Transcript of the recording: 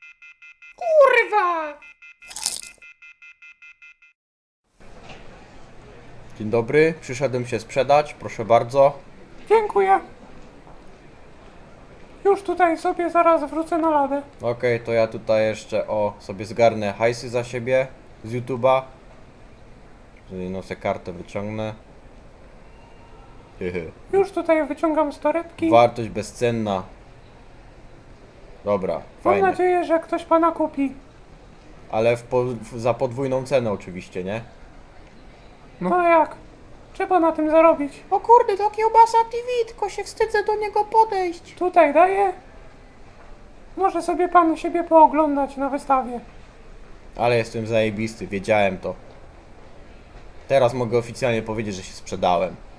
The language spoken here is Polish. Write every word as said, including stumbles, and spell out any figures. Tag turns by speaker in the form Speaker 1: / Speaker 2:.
Speaker 1: Kurwa!
Speaker 2: Dzień dobry, przyszedłem się sprzedać, proszę bardzo.
Speaker 1: Dziękuję. Już tutaj sobie zaraz wrócę na ladę.
Speaker 2: Okej, to ja tutaj jeszcze o sobie zgarnę hajsy za siebie z YouTube'a. Czyli no se kartę wyciągnę. Hehe.
Speaker 1: Już tutaj wyciągam z torebki.
Speaker 2: Wartość bezcenna. Dobra,
Speaker 1: Mam
Speaker 2: fajnie.
Speaker 1: nadzieję, że ktoś pana kupi.
Speaker 2: Ale w po, w, za podwójną cenę oczywiście, nie?
Speaker 1: No jak? Trzeba na tym zarobić.
Speaker 3: O kurde, to kiełbasa T V, tylko się wstydzę do niego podejść.
Speaker 1: Tutaj daję. Może sobie pan siebie pooglądać na wystawie.
Speaker 2: Ale jestem zajebisty, wiedziałem to. Teraz mogę oficjalnie powiedzieć, że się sprzedałem.